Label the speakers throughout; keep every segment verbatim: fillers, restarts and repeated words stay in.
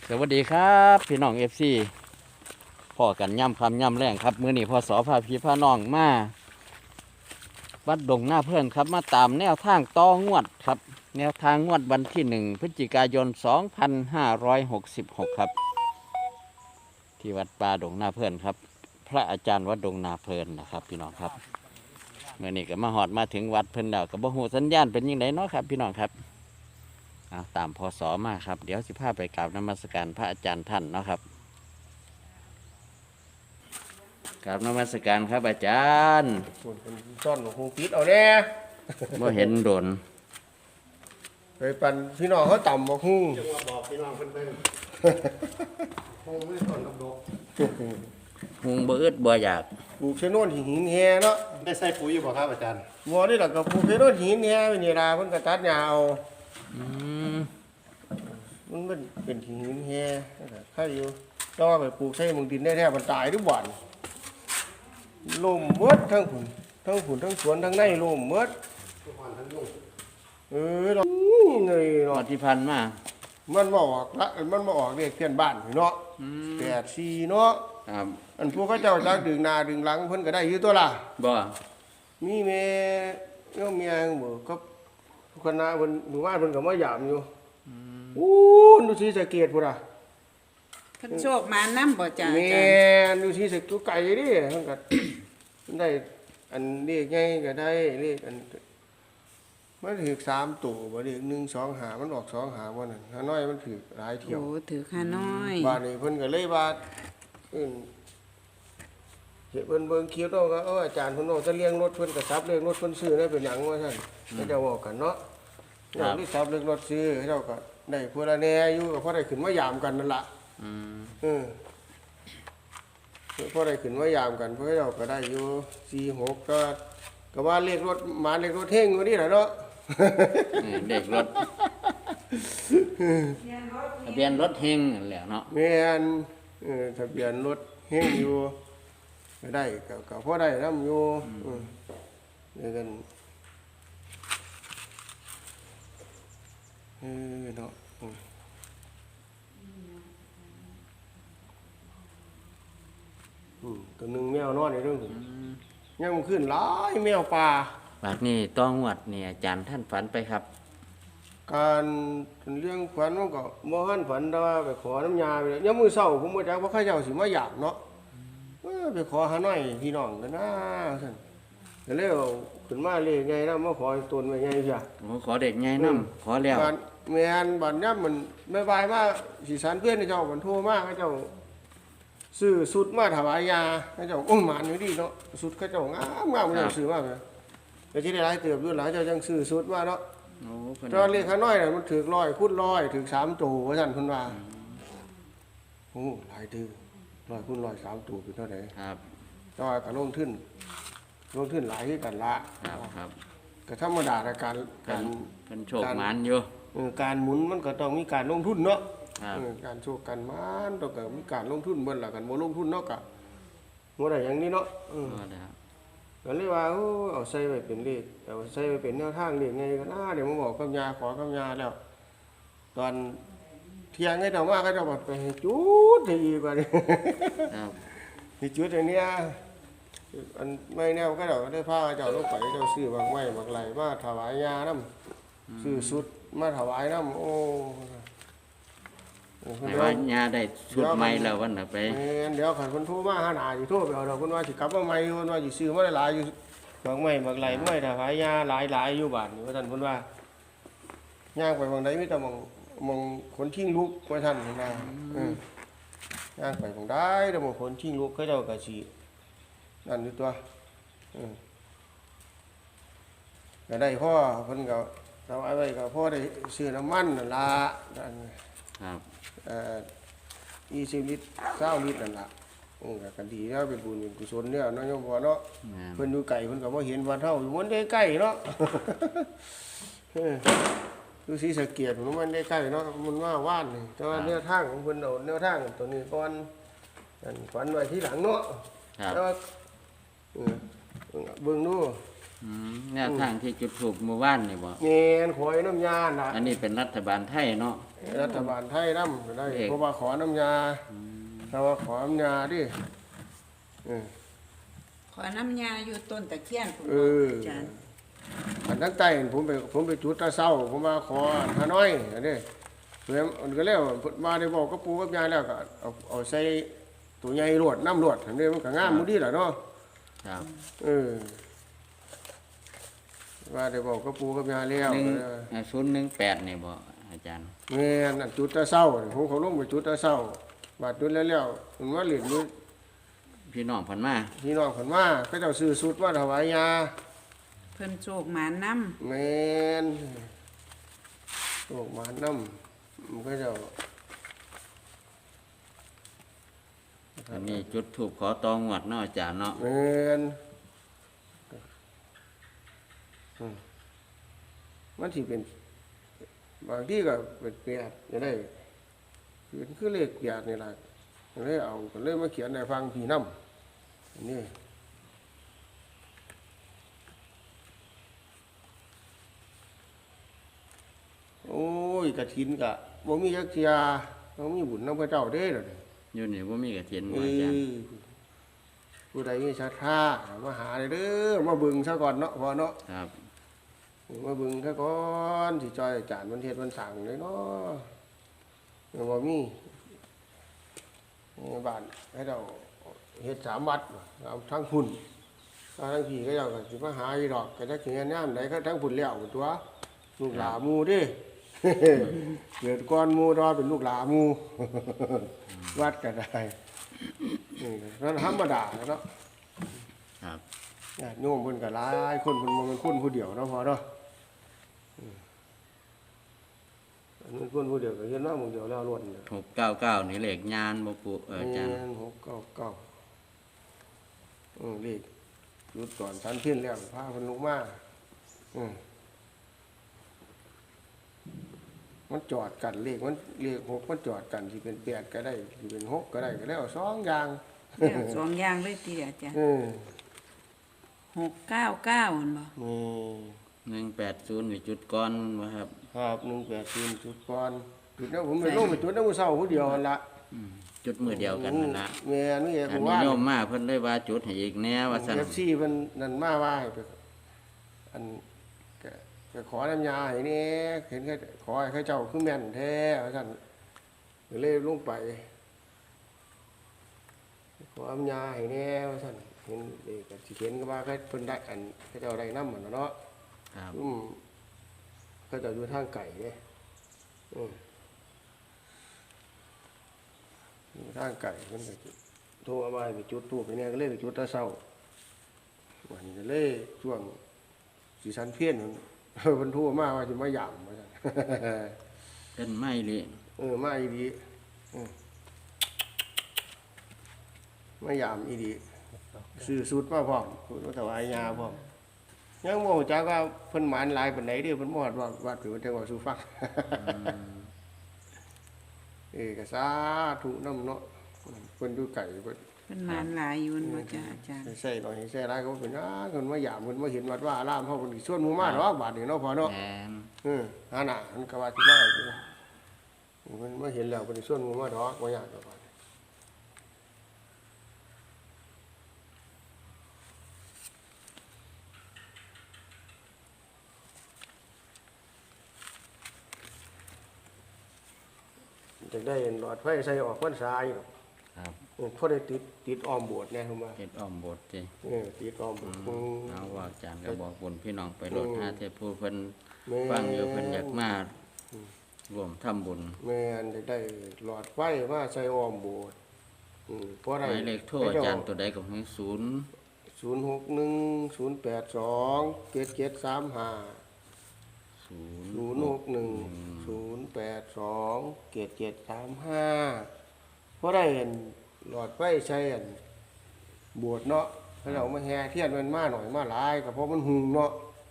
Speaker 1: สวัสดีครับพี่น้องเอฟซีพ่อกันย่ำคำย่ำแรงครับมื้อนี้พอสอพาพี่พาน้องมาวัดดงหน้าเพื่อนครับมาตามแนวทางต่องวดครับแนวทางงวดวันที่หนึ่งพฤศจิกายนสองพันห้าร้อยหกสิบหกครับที่วัดป่าดงหน้าเพื่อนครับพระอาจารย์วัดดงนาเพลินนะครับพี่น้องครับเมื่อนี้ก็มาหอดมาถึงวัดเพิ่นแล้วกับบ่ฮู้สัญญาณเป็นยังไงเนาะครับพี่น้องครับเอาตามพศมาครับเดี๋ยวสิพาไปกราบนมัสการพระอาจารย์ท่านเนาะครับกราบนมัสการครับอาจารย์
Speaker 2: ส่วนคนซ่อนของคงปิดเอาแน่
Speaker 1: บ่เห็นโดน
Speaker 2: ไปปันพี่น้องเขาต่ำบอกฮู้
Speaker 3: จังว่าบอกพี่น้องเพิ่นเพิ่นคงไม่ต้นกับดอก
Speaker 1: หุงบ่อึดบ่อยาก
Speaker 2: ปลูกชะโนนหินแฮเนาะ
Speaker 3: ได้ใส่ปุ๋ยอยู่บ่ครับอาจารย์
Speaker 2: บ่นี่ล่ะก็ปลูกชะโนนหินแฮไปนี่ล่ะเพิ่นก็ตัดหญ้าเอา
Speaker 1: อืม
Speaker 2: มันเป็นเป็นหินแฮใครอยู่แต่ว่าไปปลูกใส่หมึงดินได้แท้มันตายทุกวันลมหมดทั้งผุนทั้งผุนทั้งสวนทั้งในลมหมด
Speaker 3: ทุกวันทั้งลูก
Speaker 2: เออเนาะเงย
Speaker 1: งว
Speaker 2: เนาะ
Speaker 1: ดที่พันมา
Speaker 2: มันมาออกละมันมาออกเรียกเพื่อนบ้านพี่เนาะ
Speaker 1: อืม
Speaker 2: แปดสี่เนาะ
Speaker 1: ครับ
Speaker 2: อันพวกเขาเจ้าจักดึงหน้าดึงหลังเพิ่นก็ได้อยู่ตัวล่ะ
Speaker 1: บ่
Speaker 2: มีแม่เอ้าเมียบ่ก็คณะเพิ่นหมู่บ้านเพิ่นก็มาหยามอยู่อู้ดูสิสะเกตพุ่นน่ะ
Speaker 4: เพิ่นโชคมานำบ่จ้าอา
Speaker 2: แม่
Speaker 4: จารย์
Speaker 2: ดูสิสะกุไก่ดิเพิ่นก็ ได้อันเลขใหญ่ก็ได้เลขอันมันถูกสามตัวบ่เลขหนึ่ง สอง ห้ามันออกสอง ห้าบ่นั่นฮานอยมันถูกหลายเที่ยว
Speaker 4: โอ้ถือข้าน้อย
Speaker 2: บ้านนี้เพิ่นก็เลยว่าเอิ่นเฮ็ดเพิ่นเบิ่งคลิปแล้วก็เอออาจารย์เพิ่นเอาจะเลี้ยงรถเพิ่นก็ซับเลี้ยงรถเพิ่นซื้อได้เป็นหยังว่าซั่นเขาเจ้าเว้ากันเนาะอย่างที่ซับเลี้ยงรถซื้อเขาเจ้าก็ได้ผู้ละแหน่อยู่ก็พอได้ขึ้นมายามกันนั่นล่ะ
Speaker 1: อืม
Speaker 2: เออพอได้ขึ้นมายามกันเพิ่นเขาเจ้าก็ได้อยู่สี่ หกก็ก็ว่าเลขรถหมาเลขรถเท่งอยู่นี่แหละเนาะ
Speaker 1: นี่เด็กรถทะเบียนรถเฮงนั่นแหละเนาะ
Speaker 2: แม่นเออทะเบียนรถเฮงอยู่ก็ได้ก็ก็พอได้นำอยู่อืมเดี๋ยวกันเออเนาะอืมอืมตัวหนึงแมวนอนในเรื่องผมยังมันขึ้นหลายแมวป่า
Speaker 1: บัดนี้ต้องงวดนี่อาจารย์ท่านฝันไปครับ
Speaker 2: การเรื่องฝันมันก็บ่หันฝันแต่ว่าไปขอน้ำยาไปเลยยามมื้อเช้าผมบ่จักว่าเขาเจ้าสิมาหยามเนาะเออไปขอหาหน่อยพี่น้องกันนะซั่นก็เลยเอาขึ้นมาเลยไงนะมาขอตนไว้ไงเสีย
Speaker 1: โอ้ขอเด็กไงน้ำขอแล้ว
Speaker 2: บ้านแม่นบ้านยามมันบ๊ายบายมาสิสารเพื่อนให้เจ้ามันโทรมาเขาเจ้าซื้อสุดมาถวายยาเขาเจ้าโอ้หมานอยู่ดีเนาะสุดเขาเจ้างามงามเขาเจ้าซื้อมาแม่ก็สิได้หลายเติบอยู่หลายเจ้าจังซื้อสุดมาเนาะ
Speaker 1: โอ้เพิ่น
Speaker 2: ตอนเลขข้างน้อยน่ะมันถือร้อยคูณร้อยถือสามตัวว่าซั่นเพิ่นว่าโอ้หลายตื้อร้อยคูณร้อยสามตัวเป็นเท่าไหร่
Speaker 1: ครับ
Speaker 2: แต่ว่าก็ลงทุนลงทุนหลายคือกันละ
Speaker 1: ครับครับ
Speaker 2: ก็ธรรมดาในการ
Speaker 1: เพิ่
Speaker 2: การ
Speaker 1: นเพิ่นโชคหมานอยู่
Speaker 2: เออการหมุนมันก็ต้องมีการลงทุนเนาะ
Speaker 1: ครับ
Speaker 2: เออการโชคกันมันต้องก็มีการลงทุนเบิ่นล่ะกันบ่ลงทุนเนาะก็บ่ได้อย่างนี้เนาะเออ
Speaker 1: ก็ได้ครับ
Speaker 2: ก็เลยว่าโอ้เอาใส่ไว้เป็นเลขเอาใส่ไว้เป็นแนวทางเลขไงก็น่าเดี๋ยวมาบอกกับยาขอกับยาแล้ว ตอนเที่ยงให้เจ้ามาก็เจ้าบอกไปให้จุดให้อีกว่านี่
Speaker 1: ครับ
Speaker 2: ให้จุดอันเนี้ยอันไม่แนวก็เจ้าได้พาเจ้าลงไปเจ้าซื้อบางไม้บางไหลมาถวายยานำซื้อสุดมาถวายนำโอ้โอ้
Speaker 1: ให้ว่ายาได้ชุดใหม่แล้ววันน่ะไป
Speaker 2: แม่นเดี๋ยวขันคนโทรมาหาหนาสิโทรไปเอาดอกคนว่าสิกลับมาใหม่เพิ่นว่าสิซื้อมาหลายๆอยู่บางไม้บางไหลไม้ถวายยาหลายๆอยู่บ้านนี่ว่าท่านเพิ่นว่าย่างไปบางใดมีแต่มองมองคนทิ้งลูกว่าท่านเพิ่นว่าเออย่างไปบางใดแต่มองคนทิ้งลูกเขาเจ้าก็สินั่นอยู่ตัวเออก็ได้พ่อเพิ่นก็ถวายไว้ก็พ่อได้ซื้อน้ำมันนั่นล่ะนั่น
Speaker 1: ครับ
Speaker 2: เอ่อยี่สิบลิตรเก้าลิตรนั่นล่ะอืมก็ก็ดีแล้วเป็นบุญเป็นกุศลเนี่ยเนาะโยมพ่อเนาะ
Speaker 1: แม่น
Speaker 2: เพิ่นอยู่ไกลเพิ่นก็บ่เห็นวันเฮาอยู่มันได้ใกล้เนาะ เออดูสิสะเกียดมันมันได้ใกล้เนาะมันว่าว่านนี่แต่ว่าแนวทางของเพิ่นเอาแนวทางตัวนี้ก่อนอันฝันไว้ทีหลังเนาะ
Speaker 1: ครับ
Speaker 2: แต่ว่าเออเบิ่งดู
Speaker 1: อืมแนวทางที่จุดถูกเมื่อวานนี่บ่
Speaker 2: เงี้ยขอยน้ำยาน่ะ
Speaker 1: อันนี้เป็นรัฐบาลไทยเนาะ
Speaker 2: รัฐบาลไทยน้ำก็ได้
Speaker 1: เอก
Speaker 2: เพราะว่าขอน้ำยาถ้าว่าขอน้ำยาดิเออ
Speaker 4: ขอน้ำยาอยู่ต้นตะเคียนผม
Speaker 2: เออ
Speaker 4: อาจารย์
Speaker 2: อันทั้งใต้ผมไปผมไปจุดตาเศร้าผมมาขอฮานอยอันนี้เพื่อนมันก็แล้วมาได้บอกกับปูกับยายแล้วก็เอาเอาใส่ตัวใหญ่รวดน้ำรวดอันนี้มันก็งามมุดีแหละเนาะ
Speaker 1: ครับ
Speaker 2: เออว่าได้บอกกับปูกับยายแล้ว
Speaker 1: หนึ่งศูนย์หนึ่งแปดนี่บ่อาจารย์
Speaker 2: เงี้ยนั่นจุดตาเศร้าผมเขาลงไปจุดตาเศร้าบาดจุดแล้วแล้วมันว่าเหรียญด้วย
Speaker 1: พี่น้องเพันมา
Speaker 2: พี่น้องคนมาก็เจ้าซื้อสุดมาถวายยา
Speaker 4: เพิ่นโชคหมานน้
Speaker 2: แมนโอกมาน้ำมันก็เจ้า
Speaker 1: อันนี้จุดถูกขอตองวดเนาะอาจารย์เนาะ
Speaker 2: แมนอืมมันที่เป็นบางที่ก็เป็นเปียดจะได้เป็นคือเลขเปียดนี่แหละก็เลยเอาก็เลยมาเขียนในฟังพี่น้ำอันนี่โอ้ยกระถินกะบ่มีจักเทียบ่มีบุญนำพระเจ้าเด้อเด้อ
Speaker 1: อยู่นี่บ่มีกระถิน
Speaker 2: เอ
Speaker 1: บ่อาจารย์
Speaker 2: อผู้ใดมีศรัทธามาหาเลยเด้อมาเบิ่งซะก่อนเนาะพอเนาะ
Speaker 1: ครับ
Speaker 2: มาเบิ่งซะก่อนสิจอยอาจารย์มันเฮ็ดมันสั่งเลยเนาะยังบ่มีในบ้านให้เราเฮ็ดสามวัดเอาทั้งพุ่นเอาทั้งพี่ก็เจ้าก็สิมาหาอีดอกก็จักสิแม่นยามใดก็ทั้งพุ่นแล้วพุ่นตัวลูกหลานหมู่เด้ เกิดก่อนหมู่รอเป็นลูกหลานหมู่ วัดก็ได้นี่นั่นธรรมดาเนาะ
Speaker 1: ครับ
Speaker 2: ญาติโยมเพิ่นก็หลายคนเพิ่นบ่แม่นคนผู้เดียวเนาะพอเนาะอืมอันนั้นคนผู้เดียวก็เฮ็ดมาหมู่เดียวแล้วล้วนเนี่ย
Speaker 1: หกเก้าเก้านี่เลขญาณบ่ปูเอออาจารย์
Speaker 2: แม่นหกเก้าเก้าอือเลขหยุดก่อนชั้นเพี้ยนแล้วพาเพิ่นลงมาอืมมันจอดกันเลขมันเลขหกมันจอดกันสิเป็นแปดก็ได้สิเป็นหกก็ได้ก็แล้วสองอย่าง
Speaker 4: ำแล้วสองอย่างเลยทีเดียวอาจารย์
Speaker 2: เออ
Speaker 4: หกเก้าเก้าหั่นบ่
Speaker 2: นี่
Speaker 1: หนึ่งแปดศูนย์นี่จุดก่อนบ่ครับ
Speaker 2: ครับหนึ่งแปดศูนย์จุดก่อนจุดนั้นผมไปลงไปจุดนั้นมื้อเช้าผู้เดียวนั่นละ
Speaker 1: อืมจุดมือเดียวกันนั่นละ
Speaker 2: แม่นนี่
Speaker 1: อัน
Speaker 2: ผม
Speaker 1: นี้
Speaker 2: ว่า
Speaker 1: โยมมาเพิ่นเลยว่าจุดให้อีกแน่ว่าซั่น
Speaker 2: เอฟซีเพิ่นนั่นมาว่าให้ไปอันก็ก็ขอน้ำยาให้แนี่เห็นเขาขอให้เขาเจ้าคือแม่นแท้ว่าซั่นก็เลยลงไป ขอน้ำยาให้แน่ว่าซั่นเห็นเด็กก็สิเห็นก็ว่าเขาเพิ่นได้อันเขาเจ้าได้นำมันเนาะ
Speaker 1: ครับ
Speaker 2: อืมเขาเจ้าอยู่ทางไก่เด้อืมอยู่ทางไก่เพิ่นก็โทรมาให้ไปจุดธูปไปเนี่ยก็เลยไปจุดแตะเช้าวันนี้ก็เลยช่วงสิสันเพี้ยน เพิ่นโทรมาว่าสิมาหยามว่าซั่น
Speaker 1: เป็นไม้เลย
Speaker 2: เออมาอีดีอืมมายามอีดีซื้อสูตรมาพร้อมสูตรมาถวายยาพร้อมยังบ่รู้จักว่าเพิ่นหมานหลายปานใดเด้อเพิ่นบ่ฮอดว่าวัดหรือว่าจังหวัดสู่ฟัง เอกสาธุนำเนาะเพิ่นอยู่ไกลเพิ่น
Speaker 4: เพิ่นหมานหลายอยู่หั่นบ่จ้ะอาจารย์
Speaker 2: ใส่หน่อยใส่หลายก็บ่เป็นหยังเพิ่นมายามเพิ่นมาเห็นวัดว่าอารามเฮาเพิ่นสิชวนหมู่มาดอกบาดนี้เนาะพ่อเนาะ
Speaker 1: แอน
Speaker 2: เออหาหน้ามันก็ว่าสิมาอยู่เพิ่นมาเห็นแล้วเพิ่นสิชวนหมู่มาดอกบ่ยากดอกบาดนี้ จะได้หลอดไฟใส่ออกพรรษาอยู่
Speaker 1: ครับ
Speaker 2: เออพอได้ติดติดออมโบสถ์แน่เข้ามา
Speaker 1: เฮ็ดอ้อมโบสถ์ติ
Speaker 2: เออติดออมโบ
Speaker 1: อื
Speaker 2: สถ์
Speaker 1: ม
Speaker 2: อืม
Speaker 1: เอาว่าอาจารย์ก็บอกบุญพี่น้องไปโลด
Speaker 2: อืม
Speaker 1: หาเทพผู้เพิ่น
Speaker 2: แม่
Speaker 1: ฟังอยู่เพิ่นอยากมาร่วมทำบุญ
Speaker 2: แม่นจะได้หลอดไฟมาใส่ออมโบสถ์อืมพอ
Speaker 1: ห
Speaker 2: ได้
Speaker 1: มายเลขโทรอาจารย์ตัวใดก็ให้ศูนย์
Speaker 2: ศูนย์หกหนึ่งศูนย์แปดสองเจ็ดเจ็ดสามห้า
Speaker 1: ศูนย์
Speaker 2: ศูนย์หกหนึ่งศูนย์แปดสองเจ็ดเจ็ดสามห้าพอได้เห็นหลอดไฟใส่อันโบสถ์เนาะถ้าเรามาแห่เทียนมันมาหน่อยมาหลายก็เพราะมันหุงเนาะ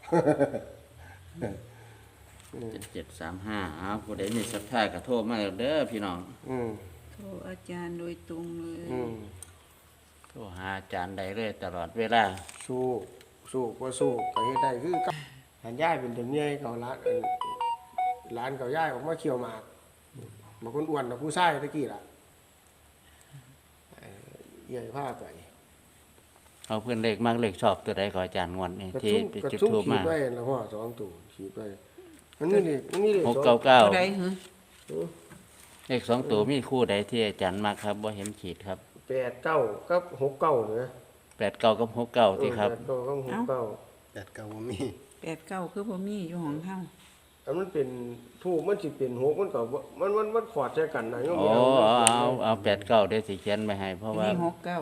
Speaker 1: เจ็ดเจ็ดสามห้าอ้าวผู้ใดมีศรัทธาก็โทรมาเด้อพี่น้อง
Speaker 2: อืม
Speaker 4: โทรอาจารย์โดยตรงเลย
Speaker 2: อืม
Speaker 1: โทรหาอาจารย์ได้เลยตลอดเวลา
Speaker 2: สู้สู้บ่สู้ก็เฮ็ดได้คือกับหันย้ายเป็นแต่เมียเขาร้านอันร้านเขาย้ายออกมาเขี่ยวหมากบางคนอ้วนกว่าผู้ชายตะกี้ล่ะเอ่อใหญ่พาไป
Speaker 1: เอาเพื่อนเลขมากเลขชอบตัวใดขออาจารย์งวดนี่
Speaker 2: กระ
Speaker 1: ที่
Speaker 2: ชุ่ม
Speaker 1: ไป
Speaker 2: กระ
Speaker 1: จุด
Speaker 2: ชุ่ม
Speaker 1: ทูบ
Speaker 2: ขี
Speaker 1: มา
Speaker 2: ดไว้แล้วพ่อสองตัวขีดไว้มันนี่นี่มันนี่เลย
Speaker 1: หกเก้าเก้า
Speaker 4: ตัวใดหือ
Speaker 1: เลขสองตัวมีคู่ใดที่อาจารย์มากครับว่าเห็นขีดครับ
Speaker 2: แปดเก้ากับหกเก้าเนี่ย
Speaker 1: แปดเก้ากับหกเก้าที่ครับ
Speaker 2: แปดเก้ากับหกเก้า
Speaker 3: แปดเก้าบ่มี
Speaker 4: แปดเก้าคือบ่มีอยู่ของเฮา
Speaker 2: อันมันเป็นทูบมันสิเป็นหกมันก็บ่มันมันมันขอดใส่กันนะยัง
Speaker 1: โอ้
Speaker 2: บ่
Speaker 1: เอา
Speaker 2: เอา
Speaker 1: เอาเอาแปดเก้าเดี๋ยวสิเขียนไปให้เพราะว่า
Speaker 4: มีหกเก้า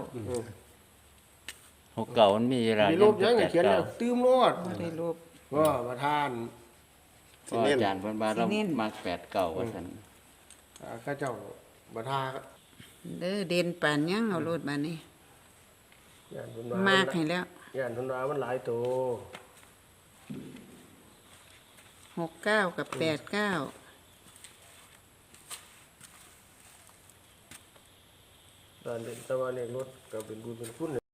Speaker 1: หกเก้ามันมีเวลา
Speaker 2: มีรูปยัง
Speaker 1: แป
Speaker 2: ไง
Speaker 1: ด
Speaker 2: เขียน
Speaker 1: เก้า
Speaker 2: แล้วตื้มโลด
Speaker 4: บ่ได้ลบ
Speaker 2: ว่าประธาน
Speaker 1: เพราะอาจารย์เพิ่นว่าเรา
Speaker 4: สิเน้น
Speaker 1: มักแปดเก้าว่าซั่น
Speaker 2: อ่าข้าเจ้าประธาน
Speaker 4: เด้อเด่นปานยังเอารถมานี่
Speaker 2: ย่านเพิ่นว่
Speaker 4: มากให้แล้ว
Speaker 2: ย่านเพิ่นว่ามันหลายโต
Speaker 4: หกเก้ากับแปดเก้า
Speaker 2: ตอนเด็กตะวันเอกรถก็เป็นบุญเป็นคุณ